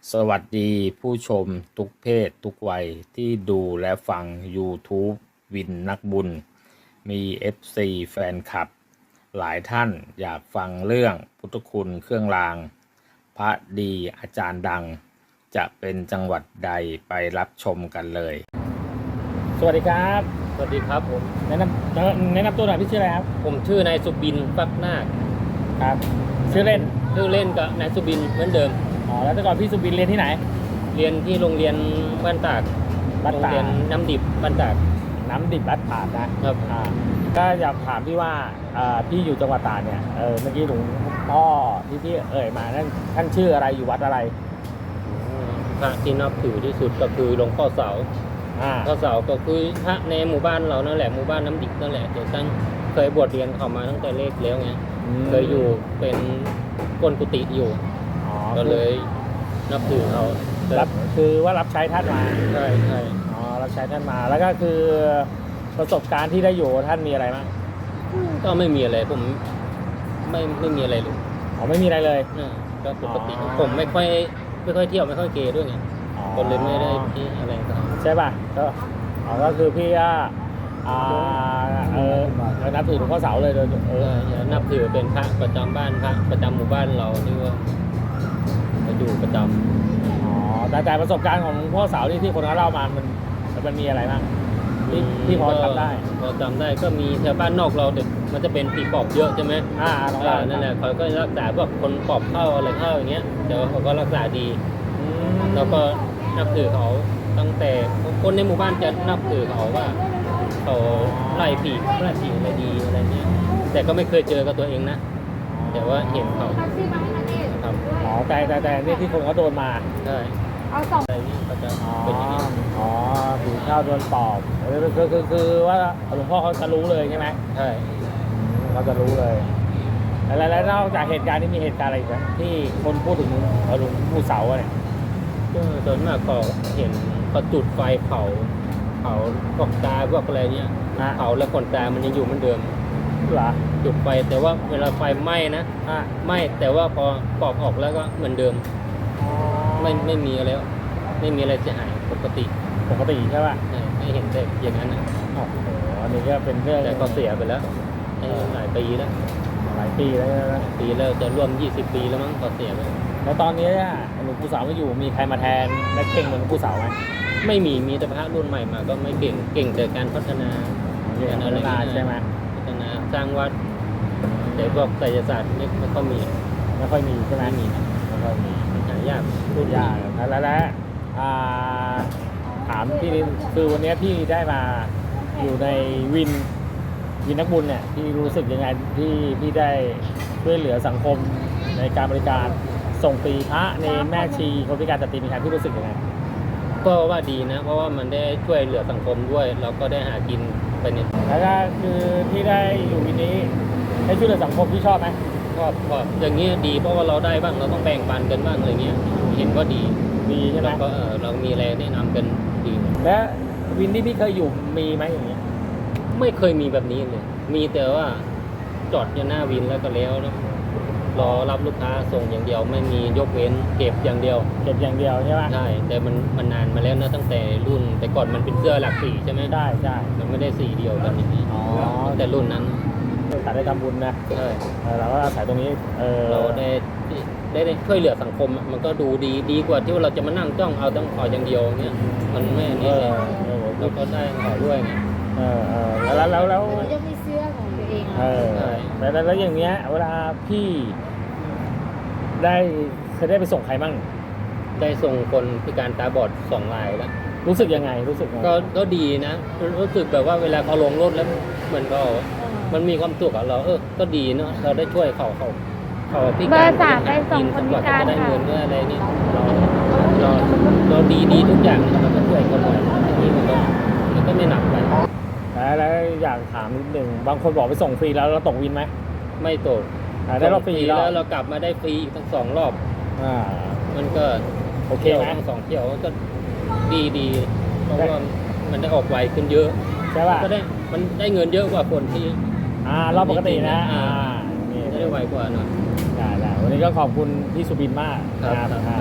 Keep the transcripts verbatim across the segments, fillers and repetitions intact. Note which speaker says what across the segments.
Speaker 1: สวัสดีผู้ชมทุกเพศทุกวัยที่ดูและฟัง YouTube วินนักบุญ มี เอฟ ซี แฟนคลับ หลายท่านอยากฟังเรื่องพุทธคุณเครื่องราง พระดีอาจารย์ดัง จะเป็นจังหวัดใดไปรับชมกันเลย สวัสดีครับ
Speaker 2: สวัสดีครับผม
Speaker 1: แนะนำแนะนำตัวหน่อยพี่ชื่ออะไรครับ
Speaker 2: ผมชื่อนายสุบินฟักนาค
Speaker 1: ครับ ชื่อเล่น
Speaker 2: ชื่อเล่นก็นายสุบินเหมือนเดิม
Speaker 1: อ๋อแล้วแต่ก่อนพี่สุบินเรียนที่ไหน
Speaker 2: เรียนที่โรงเรียนบ้านตาก
Speaker 1: บ้าน
Speaker 2: โรง
Speaker 1: ตาก
Speaker 2: เรียนน้ำดิบบ้านตาก
Speaker 1: น้ำดิบบ้านตากนะครับ อ่าก็อยากถามพี่ว่าอ่าพี่อยู่จังหวัดตากเนี่ยเออเมื่อกี้หลวงพ่อที่พี่เอ่ยมานั่นท่านชื่ออะไรอยู่วัดอะไร
Speaker 2: พระที่นับถือที่สุดก็คือหลวงพ่อเสา
Speaker 1: อ่า
Speaker 2: พ่อเสาก็คือพระในหมู่บ้านเรานั่นแหละหมู่บ้านน้ำดิบนั่นแหละเดี๋ยวตั้งเคยบวชเรียนเข้ามาตั้งแต่เล็กแล้วไงเคยอยู่เป็นก้นกุฏิอยู่
Speaker 1: อ๋อ
Speaker 2: ก็เลยนับถือเขา
Speaker 1: รับคือว่ารับใช้ท่านมา
Speaker 2: ใช่ใช่
Speaker 1: อ๋อรับใช้ท่านมาแล้วก็คือประสบการณ์ที่ได้อยู่กับท่านมีอะไรบ้าง
Speaker 2: ก็ไม่มีอะไรผมไม่ไม่มีอะไรเลย
Speaker 1: อ๋อไม่มีอะไรเลย
Speaker 2: อ่าก็ปกติ
Speaker 1: อ๋อ
Speaker 2: ผมไม่ค่อยไม่ค่อยเที่ยวไม่ค่อยเกย์ด้วยไง
Speaker 1: อ๋อ
Speaker 2: คนเลยไม่ได้ที่อะไรกับเขา
Speaker 1: ใช่ป่ะก็อ๋อก็คือพี่ก็อ่าเออเออนับถือหลวงพ่อเสาเลยโดยเอ
Speaker 2: เอ
Speaker 1: อ
Speaker 2: อนับถือเป็นพระประจำบ้านพระประจำหมู่บ้านเราที่ว่าจะอยู่ประจ
Speaker 1: อ๋อแต่แต่ประสบการณ์ของหลวงพ่อเสาที่ที่คนเขาเล่ามามันมันมีอะไรบ้าง
Speaker 2: ำ
Speaker 1: ที่ที่พอจำได้
Speaker 2: พอจำได้ก็มีแถวบ้านนอกเราเด็กมันจะเป็นปีปอบเยอะใช่ไหม
Speaker 1: อ่าลอง
Speaker 2: อ่า
Speaker 1: เล่า
Speaker 2: นั่นแหละเขาก็รักษาพวกคนปอบเข้าอะไรเข้าอย่างเงี้ยแต่ว่าเขาก็รักษาดี
Speaker 1: อืม
Speaker 2: แล้วก็นับถือเขาตั้งแต่คนในหมู่บ้านจะนับถือเขาว่าเขาไล่ผีไล่ผีอะไรดีอะไรเงี้ยแต่ก็ไม่เคยเจอกับตัวเองนะ แต่ว่าเห็นเขาทำ
Speaker 1: อ๋อแต่แต่แต่นี่ที่คนเขาโดนมา
Speaker 2: ใช่
Speaker 3: เอาสอง
Speaker 2: อะไรนี่ก็จะ
Speaker 1: อ๋อ
Speaker 2: เป็นอย่างนี้
Speaker 1: อ๋อผีเข้าโดนปอบคือคือคือคือว่าหลวงพ่อเขาจะรู้เลยใช่ไหม
Speaker 2: ใช่
Speaker 1: เขาจะรู้เลยแล้วแล้วนอกจากเหตุการณ์นี้มีเหตุการณ์อะไรอีกไหมที่คนพูดถึงหลวงปู่เสาอะเนี่ย
Speaker 2: ก็ส่วนมากก็เห็นเขาจุดไฟเผาเผาพวกตาพวกอะไรเนี้ย
Speaker 1: นะ
Speaker 2: เผาแล้วขนตามันยังอยู่เหมือนเดิม
Speaker 1: เหรอ
Speaker 2: จุดไฟแต่ว่าเวลาไฟไหม้นะ
Speaker 1: อ่ะ
Speaker 2: ไหม้แต่ว่าพอปอกออกแล้วก็เหมือนเดิม ไม่ไม่มีอะไรแล้วไม่มีอะไรเสียหายปกติ
Speaker 1: ปกติใช่ป่ะ
Speaker 2: ใช่ไม่เห็นแต่อย่างนั้นนะ
Speaker 1: โอ้โหอันนี้ก็เป็นเรื่อง
Speaker 2: แต่ก็เสียไปแล้วเออหลายปีแล้ว
Speaker 1: หลายปีแล้วนะ
Speaker 2: ปีแล้วจะร่วมยี่สิบปีแล้วมั้งก็เสียไป
Speaker 1: แล้วตอนนี้เนี่ยหลวงปู่เสาไม่อยู่มีใครมาแทนและเก่งเหมือนหลวงปู่เสาไหม
Speaker 2: ไม่มีมีแต่พระรุ่นใหม่มาก็ไม่เก่งเก่งแต่การพัฒนา
Speaker 1: เก่งพัฒนาใช่ไหม
Speaker 2: พัฒนาสร้างวัดแต่พวกไสยศาสตร์ไม่ไม่ค่อยมี
Speaker 1: ไม่ค่อยมีใช่ไหม
Speaker 2: ไม่มี
Speaker 1: ไม่ค่อยมี
Speaker 2: หายาก
Speaker 1: พูดยากแล้วแล้วแล้วอ่าถามพี่นิดคือวันนี้พี่ได้มาอยู่ในวินวินนักบุญเนี่ยพี่รู้สึกยังไงที่พี่ได้ช่วยเหลือสังคมในการบริการส่งฟรีพระเนรแม่ชีคนพิการสตรีมีการพี่รู้สึกยังไง
Speaker 2: ก็ว่าดีนะ เพราะว่ามันได้ช่วยเหลือสังคมด้วยเราก็ได้หากินไปเนี่ย
Speaker 1: แล้วก็คือที่ได้อยู่วินนี้ได้ช่วยเหลือสังคมพี่ชอบไหม
Speaker 2: ชอบชอบอย่างนี้ดีเพราะว่าเราได้บ้างเราต้องแบ่งปันกันบ้างอะไรเงี้ยเห็นว่าดี
Speaker 1: ดีใช่ไหม
Speaker 2: แล้วก็เออเรามีอะไรแนะนำกันดี
Speaker 1: และวินที่พี่เคยอยู่มีไหมอย่างเงี้ย
Speaker 2: ไม่เคยมีแบบนี้เลย มีแต่ว่าจอดอยู่หน้าวินแล้วก็แล้วแล้วรอรับลูกค้าส่งอย่างเดียว ไม่มียกเว้นเก็บอย่างเดียว
Speaker 1: เก็บอย่างเดียวใช่ไหม
Speaker 2: ใช่แต่มันมันนานมาแล้วนะตั้งแต่รุ่น แต่ก่อนมันเป็นเสื้อหลักสีใช่ไหม
Speaker 1: ได้ใช่
Speaker 2: มันไม่ได้สีเดียวกันอย่างนี้
Speaker 1: อ๋อ
Speaker 2: ตั้งแต่รุ่นนั้น
Speaker 1: แต่ได้ทำบุญนะ
Speaker 2: ใช่
Speaker 1: เออเราก็อาศัยตรงนี้เออ
Speaker 2: เราได้ได้ได้ช่วยเหลือสังคมอะมันก็ดูดีดีกว่าที่ว่าเราจะมานั่งจ้องเอาต้องขออย่างเดียวเงี้ยมันไม่อัน
Speaker 1: เอ
Speaker 2: นี้
Speaker 1: อ
Speaker 2: เลย
Speaker 1: เออ
Speaker 2: เราก็ได้ขอด้วยไง
Speaker 1: เออเออแล้วแล้วแล้ว
Speaker 3: เราจะมีเสื้อของตัวเอง
Speaker 1: เอ
Speaker 3: อะ
Speaker 1: อ
Speaker 2: ใช่
Speaker 1: แล้วแล้วแล้วอย่างเงี้ยเวลาพี่ได้เคยได้ไปส่งใครบ้าง
Speaker 2: ได้ส่งคนพิการตาบอดสองรายแล้ว
Speaker 1: รู้สึกยังไงรู้สึกยังไง
Speaker 2: ก็ก็ดีนะ รู้สึกแบบว่าเวลาเขาลงรถแล้วเหมือนเขามันมีความสุขอะเราเออก็ดีเนาะเราได้ช่วยเขาเขาเขาพิ
Speaker 3: เบ
Speaker 2: กา
Speaker 3: อ
Speaker 2: ร
Speaker 3: ร์สามไปส่งคนพิการ
Speaker 2: จะได้
Speaker 3: ค่ะ
Speaker 2: เงินด้วยอะไรเนี่ยเราเราเราดีดีทุกอย่างเราก็ช่วยเขาหน่อยอันนี้มันก็มันก็ไม่หนักไป
Speaker 1: แล้วแล้วอยากถามนิดหนึ่งบางคนบอกไปส่งฟรีแล้วเราตกวินไหม
Speaker 2: ไม่ตก
Speaker 1: อ่าได้รอบฟรี
Speaker 2: แล้ว
Speaker 1: แล้ว
Speaker 2: เรากลับมาได้ฟรีอีกทั้งสองรอบ
Speaker 1: อ่า
Speaker 2: มันก็
Speaker 1: โอเค
Speaker 2: เที่ยว
Speaker 1: ไหม
Speaker 2: ทั้งสองเที่ยวก็ดีดีเพราะว่ามันได้ออกไวขึ้นเยอะ
Speaker 1: ใช่ป่ะ
Speaker 2: ก็ได้มันได้เงินเยอะกว่าคนที่
Speaker 1: อ่ารอบปกตินะอ่านี่
Speaker 2: ได้ไวกว่าหน่อย
Speaker 1: ได้ได้วันนี้ก็ขอบคุณพี่สุบินมาก
Speaker 2: ครับ
Speaker 1: นะครับ
Speaker 2: ครับ
Speaker 1: อ่า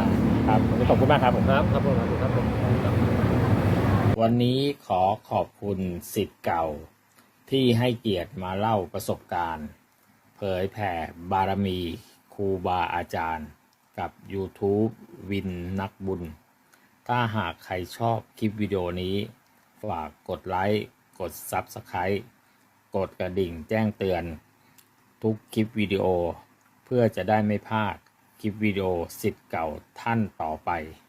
Speaker 1: ครับวันนี้ขอบคุณมากครับผม
Speaker 2: ครับครับผมครับผมครับ
Speaker 1: วันนี้ขอขอบคุณศิษย์เก่าที่ให้เกียรติมาเล่าประสบการณ์ เผยแผ่บารมีครูบาอาจารย์กับ YouTube วินนักบุญ ถ้าหากใครชอบคลิปวิดีโอนี้ฝากกดไลค์กด Subscribe กดกระดิ่งแจ้งเตือนทุกคลิปวิดีโอ เพื่อจะได้ไม่พลาดคลิปวิดีโอศิษย์เก่าท่านต่อไป